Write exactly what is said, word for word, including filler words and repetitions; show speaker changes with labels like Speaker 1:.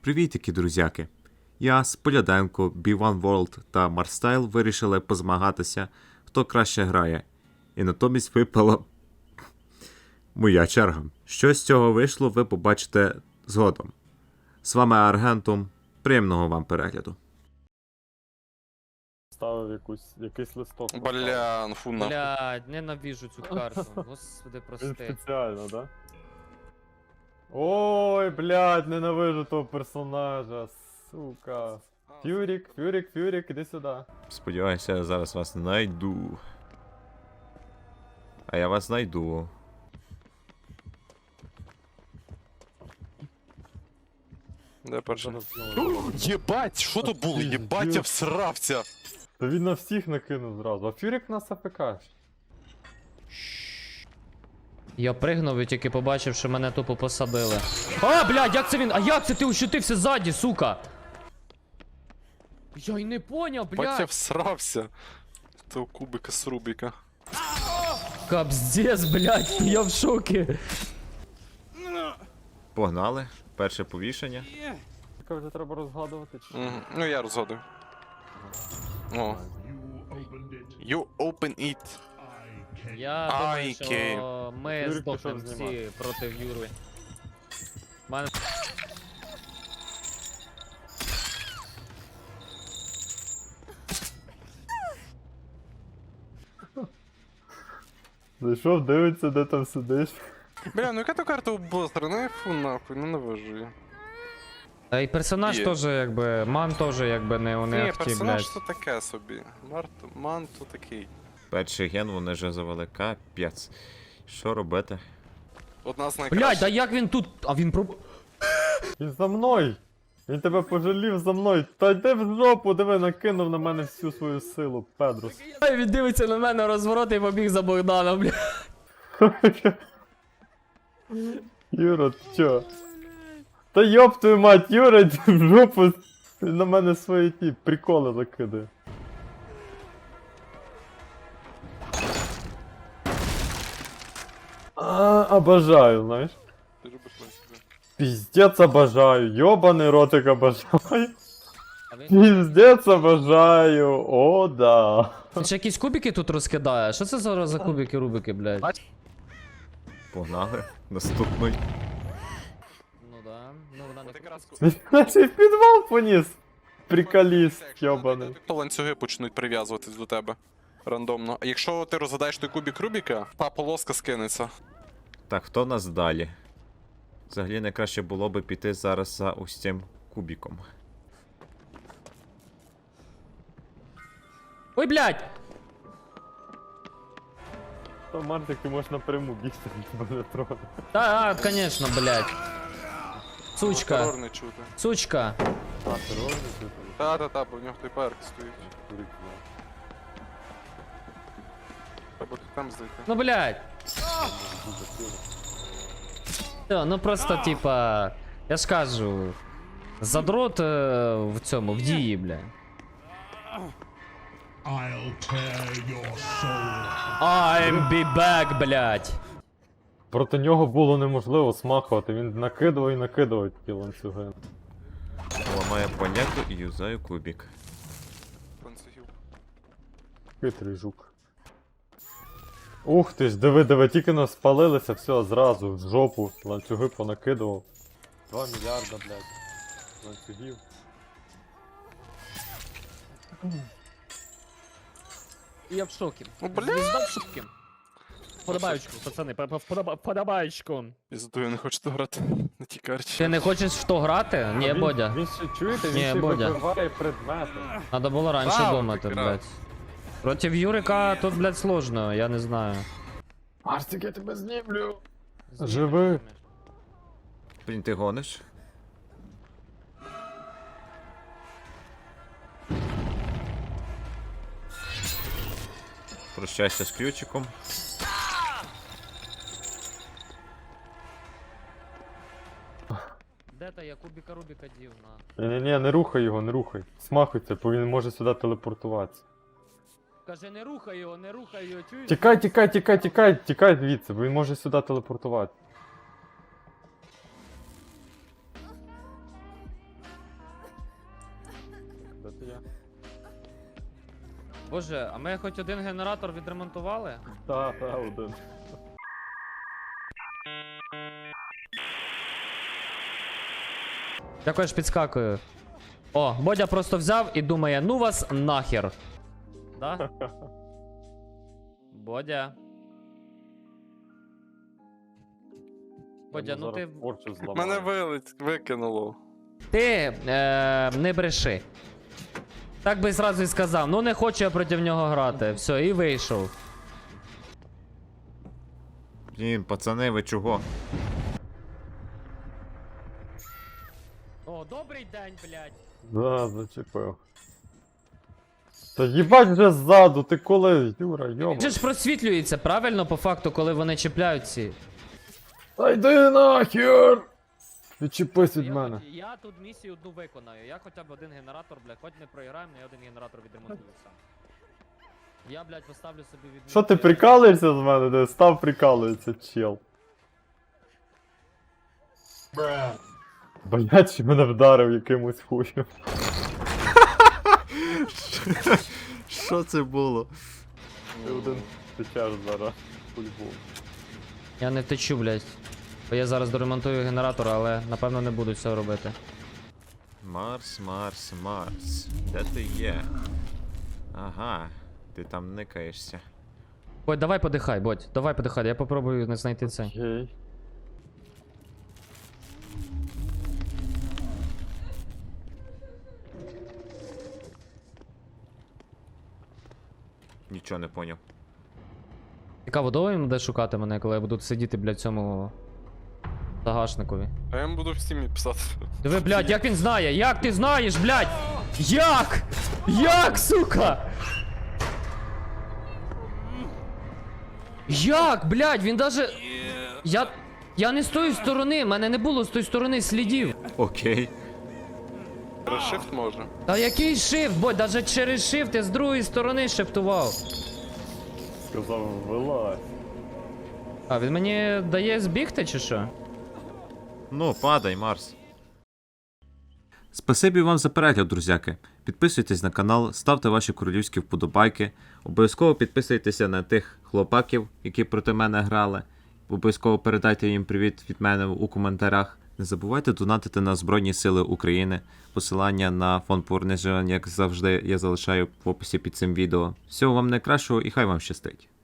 Speaker 1: Привітики, друзяки! Я, Споляденко, бі ван World та Марстайл вирішили позмагатися, хто краще грає. І натомість випала моя черга. Що з цього вийшло, ви побачите згодом. З вами Аргентум. Приємного вам перегляду.
Speaker 2: Ставив якусь, якийсь листок.
Speaker 3: Бля, ну фу нахуй.
Speaker 4: Блядь, ненавижу цю карту. Господи,
Speaker 2: Він
Speaker 4: прости.
Speaker 2: спеціально, да? Ой, блядь, ненавижу того персонажа, сука. Фюрік, Фюрік, Фюрік, іди сюди.
Speaker 1: Сподіваюся, я зараз вас знайду. А я вас знайду.
Speaker 3: Де перший?
Speaker 2: Зараз знову.
Speaker 3: Єбать, що то було? Єбать, я всрався.
Speaker 2: Та він на всіх накинув зразу, а Фюрік нас АФК.
Speaker 4: Я пригнув і тільки побачив, що мене тупо посадили. А, блядь, як це він? А як це ти ущутився ззаді, сука? Я й не поняв,
Speaker 3: Єбать, я
Speaker 4: блядь.
Speaker 3: всрався. Того кубика з Рубіка.
Speaker 4: Капздец, блядь, я в шокі.
Speaker 1: Погнали. Перше повішення.
Speaker 2: Тільки вже треба розгадувати чи.
Speaker 3: Мгм. Ну я розгадую. О. You open it.
Speaker 4: Я
Speaker 3: Ай,
Speaker 4: думаю,
Speaker 3: Київ.
Speaker 4: що ми
Speaker 2: Юрик
Speaker 4: здохнемо
Speaker 2: пішов
Speaker 4: всі
Speaker 2: знімати.
Speaker 4: проти Юри. Мене...
Speaker 2: Зайшов, дивиться, де там сидиш.
Speaker 3: Бля, ну яка то карта у Бластера? Ну я фу нахуй, ненавижу її.
Speaker 4: Та й персонаж
Speaker 3: Є.
Speaker 4: теж, якби, ман теж, якби, не, не
Speaker 3: Ні,
Speaker 4: ахті,
Speaker 3: персонаж
Speaker 4: блядь.
Speaker 3: то таке собі. Март, ман то такий.
Speaker 1: Перший ген вони вже завели. Капець. Що робити?
Speaker 3: Одна з
Speaker 4: Блядь,
Speaker 3: найкращих.
Speaker 4: а як він тут? А він про...
Speaker 2: Він за мною! Він тебе пожалів за мною. Та йди в жопу, диви, накинув на мене всю свою силу, Педрус.
Speaker 4: Він дивиться на мене розворот і побіг за Богданом, блядь.
Speaker 2: Юра, ти чо? Та йоп твою мать, Юра, йди в жопу. Він на мене свої ті приколи закидає. А, обожаю, знаєш.
Speaker 3: Ти любиш мене.
Speaker 2: Пиздец обожаю, ёбаный ротик обожаю.
Speaker 4: А він...
Speaker 2: Пиздец обожаю, о да.
Speaker 4: Ти ще якісь кубики тут розкидає? Що це за, за кубики рубики, блядь?
Speaker 1: Погнали. Наступний.
Speaker 4: Ну да, ну вона не
Speaker 3: От якраз
Speaker 2: Він наче в підвал поніс. Приколіст, ёбаний.
Speaker 3: То ланцюги почнуть прив'язуватись до тебе. Рандомно. А якщо ти розгадаєш той кубик Рубіка, та полоска скинеться.
Speaker 1: Так, хто в нас далі? Взагалі найкраще було би піти зараз за ось цим кубіком.
Speaker 4: Ой, блядь!
Speaker 2: То Мартик, ти можеш напряму бігти, тебе не трогати.
Speaker 4: Та, а, конечно, блядь. Сучка,
Speaker 3: Терор не чути.
Speaker 4: сучка.
Speaker 2: А, ти ровно чи там?
Speaker 3: Та-та-та, бо в нього той перк стоїть. Треба тут там зайти.
Speaker 4: Ну, блядь. Все, ну просто, типа, я ж кажу, задрот е, в цьому, в дії, блядь.
Speaker 5: I'll tear your soul.
Speaker 4: I'm be back, блядь.
Speaker 2: Проти нього було неможливо смахувати, він накидував і накидував ті ланцюги.
Speaker 1: Ламаю поняття і юзаю кубік.
Speaker 3: Ланцюгів.
Speaker 2: Хитрий жук. Ух ти ж, диви, диви, тільки нас спалилися, все, зразу, в жопу, ланцюги понакидував. Два мільярда, блядь, ланцюгів.
Speaker 4: Я в шокі.
Speaker 3: Ну, бля.
Speaker 4: Звізда в шокі. Подобаючку, пацани, подобаючку.
Speaker 3: Пізду, я не хочу тут грати на тій карті.
Speaker 4: Ти не хочеш в то грати? Ні,
Speaker 2: він,
Speaker 4: Бодя.
Speaker 2: Він ще, чуєте, він
Speaker 4: Ні,
Speaker 2: ще
Speaker 4: Бодя.
Speaker 2: вибиває предмети.
Speaker 4: Надо було раніше
Speaker 3: Вау,
Speaker 4: думати,
Speaker 3: ти
Speaker 4: блядь. Проти Юрика тут, блядь, сложно, я не знаю.
Speaker 2: Марсик, я тебе знімлю. Живи.
Speaker 1: Блін, ти гониш? Прощайся з ключиком.
Speaker 4: Де та я кубіка Рубіка дів, на.
Speaker 2: Ні-ні-ні, не рухай його, не рухай. Смахуйся, бо він може сюди телепортуватися.
Speaker 4: Каже, не рухай його, не рухай його, чуєш?
Speaker 2: Тікай, тікай, тікай, тікай, тікай звідси, бо він може сюди телепортувати.
Speaker 4: Боже, а ми хоч один генератор відремонтували?
Speaker 2: Та, та, один.
Speaker 4: Дякую, ж підскакую. О, Бодя просто взяв і думає, ну вас нахер. Да? Бодя. Бодя, ну ти.
Speaker 2: Порчу зламаю.
Speaker 3: Мене вилить, викинуло.
Speaker 4: Ти е, не бреши. Так би зразу і сказав, ну не хочу я проти нього грати. Все, і вийшов.
Speaker 1: Блін, пацани, ви чого?
Speaker 4: О, добрий день, блядь.
Speaker 2: Да, зачепив. Та їбать вже ззаду, ти коли, Юра,
Speaker 4: Він
Speaker 2: йома.
Speaker 4: же ж просвітлюється, правильно, по факту, коли вони чіпляють ці.
Speaker 2: Та йди нахер! Відчепись від
Speaker 4: Я,
Speaker 2: мене.
Speaker 4: хоч- я тут місію одну виконаю. Я хоча б один генератор, блядь, хоч не програємо, але я один генератор відремонтую сам. Я, блядь, поставлю собі від.
Speaker 2: Що ти прикалуєшся з мене? Де став прикалується, чел. Блять, чи мене вдарив якимось хуєм.
Speaker 1: Що це було?
Speaker 2: Ти один течеш зараз. По-любому.
Speaker 4: Я не втечу, блядь. Бо я зараз доремонтую генератор, але напевно не буду цього робити.
Speaker 1: Марс, Марс, Марс. Де ти є? Ага, ти там никаєшся.
Speaker 4: Бодь, давай подихай, Бодь, давай подихай, я попробую не знайти це.
Speaker 2: Окей.
Speaker 1: Нічого не поняв.
Speaker 4: Цікаво, довго їм буде шукати мене, коли я буду сидіти, блядь, в цьому загашникові.
Speaker 3: А я йому буду в стімі писати.
Speaker 4: Диви, блядь, як він знає? Як ти знаєш, блядь? Як? Як, сука? Як, блядь, він даже. Я. Я не з тої сторони, мене не було з тої сторони слідів.
Speaker 1: Окей.
Speaker 3: Решифт може.
Speaker 4: Та який шифт, бо даже через шифт я з другої сторони шифтував.
Speaker 2: Сказав, вилазь.
Speaker 4: А, він мені дає збігти чи що?
Speaker 1: Ну, падай, Марс. Спасибі вам за перегляд, друзяки. Підписуйтесь на канал, ставте ваші королівські вподобайки. Обов'язково підписуйтеся на тих хлопаків, які проти мене грали. Обов'язково передайте їм привіт від мене у коментарях. Не забувайте донатити на Збройні Сили України. Посилання на фонд повернення, як завжди, я залишаю в описі під цим відео. Всього вам найкращого і хай вам щастить.